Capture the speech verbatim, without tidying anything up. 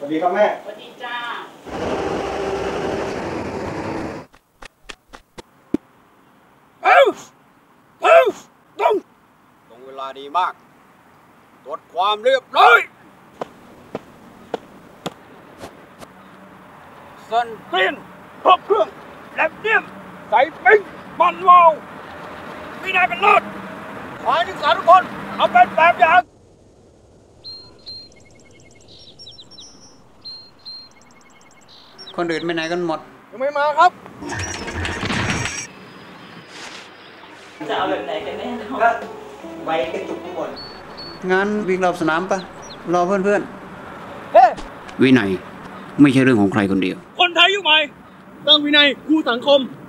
วัสดีครับแม่สวัสดีจ้าเอ้าเอ้าตรงตรงเวลาดีมากตรวจความเรียบร้อยสันเตียนครบเครื่องแลบเนียมใส่ปิ้งมันวาววินัยเป็นเลิศขอให้นักศึกษาทุกคนเอาเป็นแบบอย่างคนอื่นไปไหนกันหมดยังไม่มาครับจะเอาแบบไหนกันแน่ก็ไว้กระจุกข้างบนงั้นวิ่งรอบสนามปะรอเพื่อนๆเฮ้วินัยไม่ใช่เรื่องของใครคนเดียวคนไทยยุคใหม่ตั้งวินัยคู่สังคม